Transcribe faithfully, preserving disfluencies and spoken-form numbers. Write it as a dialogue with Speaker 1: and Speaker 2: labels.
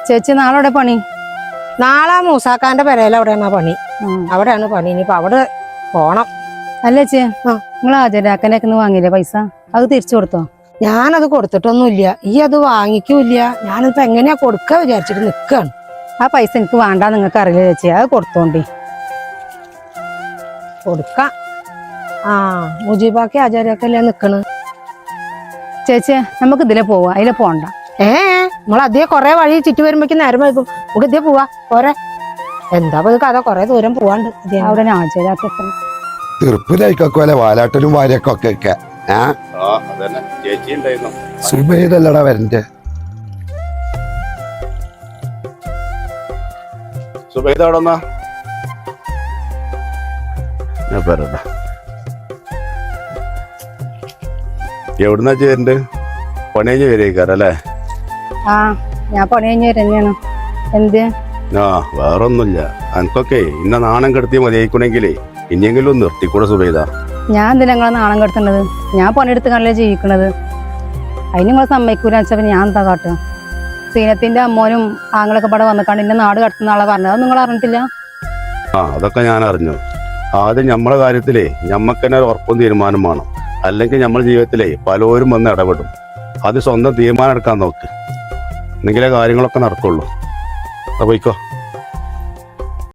Speaker 1: ചേച്ചി നാളെ എവിടെ പണി?
Speaker 2: നാളെ മൂസാക്കാന്റെ പെരയിൽ അവിടെയാണ് പണി. അവിടെയാണ് പണി. ഇനിയിപ്പൊ അവിടെ പോണം.
Speaker 1: അല്ലേ ചേ നിങ്ങൾ ആചാരാക്കനൊക്കെ വാങ്ങിയില്ലേ പൈസ? അത് തിരിച്ചു കൊടുത്തോ?
Speaker 2: ഞാനത് കൊടുത്തിട്ടൊന്നുമില്ല. ഈ അത് വാങ്ങിക്കൂല്ല. ഞാനിപ്പോ എങ്ങനെയാ കൊടുക്ക വിചാരിച്ചിട്ട് നിക്കാണ്.
Speaker 1: ആ പൈസ എനിക്ക് വേണ്ട, നിങ്ങൾക്ക് അറിയില്ല ചേച്ചി. അത് കൊടുത്തോണ്ടി.
Speaker 2: കൊടുക്കാം. ആ മുജീബാക്കി ആചാര്യൊക്കെയല്ലേ നിക്കണ്.
Speaker 1: ചേച്ചി നമുക്ക് ഇതിലെ പോവാ, അതിലെ പോണ്ട.
Speaker 2: ഏ നമ്മൾ അതേ കൊറേ വഴി ചുറ്റി വരുമ്പോഴേക്കും നേരം വൈകും. നമുക്ക് ഇതേ പോവാ പോരെ. എന്താ കഥ, കൊറേ ദൂരം പോവാണ്ട്.
Speaker 1: അവിടെ ആചാരാക്ക
Speaker 3: തീർപ്പിലായിക്കൊക്കെ വാലാട്ടലും വാര്യക്കൊക്കെ ഒക്കെ സുബൈദല്ലടാ വരണ്ടേ?
Speaker 4: സുബൈദ അവിടെ വന്നാ ഞാൻ പറയണ്ട. എവിടുന്നാ ചേരണ്ട്? പണി കഴിഞ്ഞ് വരേക്കാരല്ലേ?
Speaker 1: ആ ഞാൻ പണി കഴിഞ്ഞ് തന്നെയാണ്. എന്ത്?
Speaker 4: ആ വേറൊന്നുമില്ല. എനിക്കൊക്കെ ഇന്ന നാണം കെടുത്തി മതിയായിക്കണെങ്കിലേ ഇനിയെങ്കിലും നിർത്തിക്കൂടെ സുബൈദ?
Speaker 1: ഞാൻ എന്തിനാ നിങ്ങളെ നാണം കെടുത്തേണ്ടത്? ഞാൻ പണിയെടുത്ത് കണ്ടല്ലേ ജീവിക്കണത്. അതിന് നിങ്ങൾ സമ്മതിക്കൂല വെച്ചപ്പോ ഞാൻ എന്താ കാട്ടുക? സീനത്തിന്റെ അമ്മോനും ആങ്ങളൊക്കെ പടം വന്നിക്കാണ്ട് എന്നെ നാട് കടത്തുന്ന ആളെ പറഞ്ഞത്. അത് നിങ്ങൾ അറിഞ്ഞിട്ടില്ല?
Speaker 4: ആ അതൊക്കെ ഞാൻ അറിഞ്ഞു. ആദ്യം നമ്മളെ കാര്യത്തിലേ ഞമ്മക്ക് തന്നെ ഉറപ്പും തീരുമാനം വേണം. അല്ലെങ്കിൽ നമ്മുടെ ജീവിതത്തിലേ പലരും വന്ന് ഇടപെടും. അത് സ്വന്തം തീരുമാനം എടുക്കാൻ നോക്ക്, എന്നെങ്കിലേ കാര്യങ്ങളൊക്കെ നടക്കുള്ളൂ. അത് പോയിക്കോ.